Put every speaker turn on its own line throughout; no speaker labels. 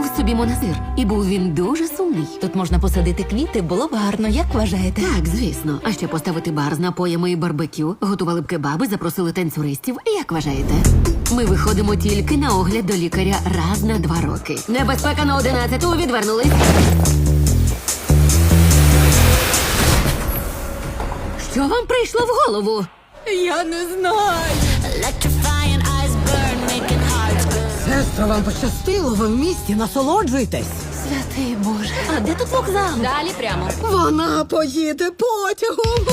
був собі монастир, і був він дуже сумний.
Тут можна посадити квіти, було б гарно, як вважаєте?
Так, звісно. А ще поставити бар з напоями і барбекю, готували б кебаби, запросили танцюристів. Як вважаєте? Ми виходимо тільки на огляд до лікаря раз на 2 роки. Небезпека на 11-ту, відвернулись. Що вам прийшло в голову?
Я не знаю.
Сестро, вам пощастило, ви в місті, насолоджуйтесь.
Святий Боже. А де тут вокзал?
Далі прямо.
Вона поїде потягом.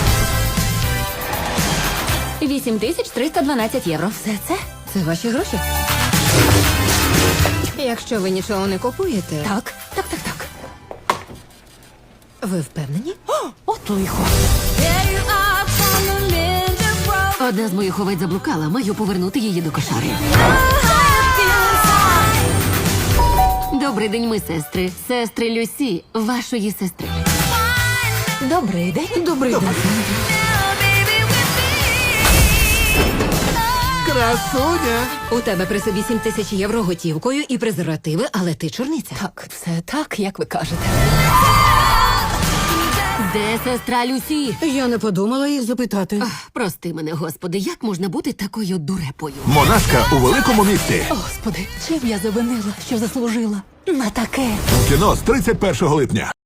8312 євро.
Все це? Це ваші гроші? Якщо ви нічого не купуєте...
Так.
Ви впевнені? От лихо.
Одна з моїх овець заблукала, маю повернути її до кошари. Добрий день, ми сестри. Сестри Люсі, вашої сестри.
Добрий день.
Добрий день. Красуня.
У тебе при собі 7000 євро готівкою і презервативи, але ти чорниця.
Так, все так, як ви кажете.
Де сестра Люсі?
Я не подумала їх запитати.
Прости мене, господи, як можна бути такою дурепою?
Монашка у великому місті.
Господи, чим я завинила, що заслужила на таке?
У кіно з 31 липня.